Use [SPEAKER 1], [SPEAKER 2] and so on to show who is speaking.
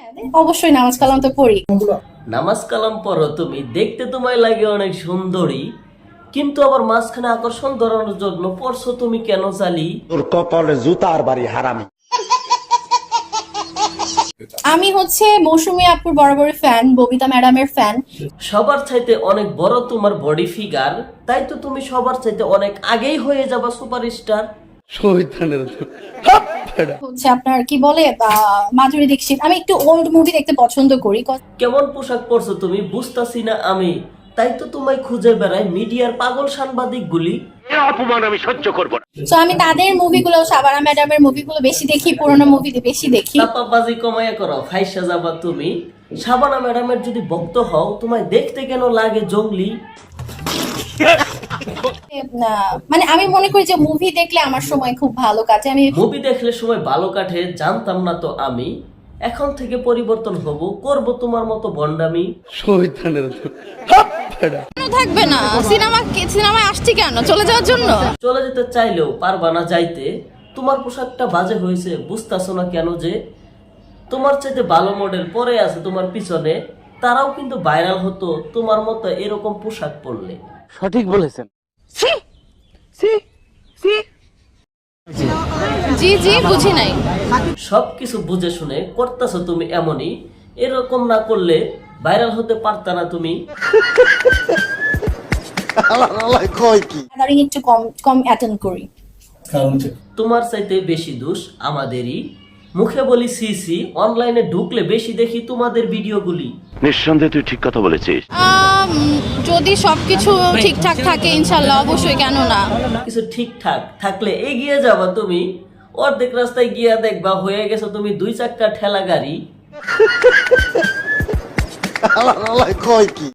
[SPEAKER 1] অবশ্যই নামাজ কালাম তো পড়ি।
[SPEAKER 2] নামাজ কালাম পড়ো তুমি, দেখতে তোমায় লাগে অনেক সুন্দরী, কিন্তু আবার মাঝখানে আকর্ষণ ধরানোর জন্য পড়ছো তুমি কেন জালি?
[SPEAKER 3] তোর কপালে জুতার বাড়ি হারামি।
[SPEAKER 1] আমি হচ্ছে মৌসুমী আপুর বরাবরই ফ্যান, ববিতা ম্যাডামের ফ্যান।
[SPEAKER 2] সবার চাইতে অনেক বড় তোমার বডি ফিগার, তাই তো তুমি সবার চাইতে অনেক আগেই হয়ে যাবা সুপারস্টার।
[SPEAKER 1] হচ্ছে আপনার কি বলে মাধুরী দীক্ষিত। আমি একটু ওল্ড মুভি দেখতে পছন্দ করি।
[SPEAKER 2] কেমন পোশাক পরছো তুমি বুঝতাছি না আমি, তাই তো তোমায় খুঁজে বেড়াই মিডিয়ার পাগল সাংবাদিক গুলি।
[SPEAKER 3] অপমান আমি সহ্য করব না।
[SPEAKER 1] তো আমি তাদের মুভিগুলো, শাবানা ম্যাডামের মুভিগুলো বেশি দেখি, পুরোনো মুভি বেশি দেখি।
[SPEAKER 2] চাপাবাজি কমাইয়া করো, ফাইসা যাবা তুমি। শাবানা ম্যাডামের যদি ভক্ত হও, তোমায় দেখতে কেন লাগে জঙ্গলি?
[SPEAKER 1] মানে আমি মনে করি যে মুভি দেখলে আমার সময় খুব ভালো কাটে। আমি
[SPEAKER 2] মুভি দেখলে সময় ভালো কাটে জানতাম না তো আমি, এখন থেকে পরিবর্তন হব, করব তোমার মতো ভন্ডামি।
[SPEAKER 1] থাকবে না সিনেমায় আসছি কেন, চলে যাওয়ার জন্য?
[SPEAKER 2] চলে যেতে চাইলেও পারবা না যাইতে। তোমার পোশাকটা বাজে হয়েছে, বুঝতাছো না কেন যে তোমার চাইতে ভালো মডেল পরে আছে তোমার পিছনে, তারাও কিন্তু ভাইরাল হতো তোমার মতো এরকম পোশাক পরলে।
[SPEAKER 4] সঠিক বলেছেন।
[SPEAKER 1] জি জি বুঝি নাই।
[SPEAKER 2] সবকিছু বুঝে শুনে করতেছো তুমি এমনই, এরকম না করলে ভাইরাল হতে পারতা না তুমি।
[SPEAKER 1] একটু কম কম অ্যাটেন্ড করি।
[SPEAKER 2] তোমার চাইতে বেশি দোষ আমাদেরই। মুখে বলি সিসি, অনলাইনে ঢুকলে বেশি দেখি তোমাদের ভিডিওগুলি।
[SPEAKER 3] নিঃসন্দেহে তুই ঠিক কথা বলেছিস।
[SPEAKER 1] যদি সবকিছু ঠিকঠাক থাকে ইনশাল্লাহ অবশ্যই, কেন না।
[SPEAKER 2] কিছু ঠিকঠাক থাকলে এগিয়ে যাবা তুমি, অর্ধেক রাস্তায় গিয়া দেখবা হয়ে গেছো তুমি 2 চাক্কা ঠেলা গাড়ি।
[SPEAKER 3] কয় কি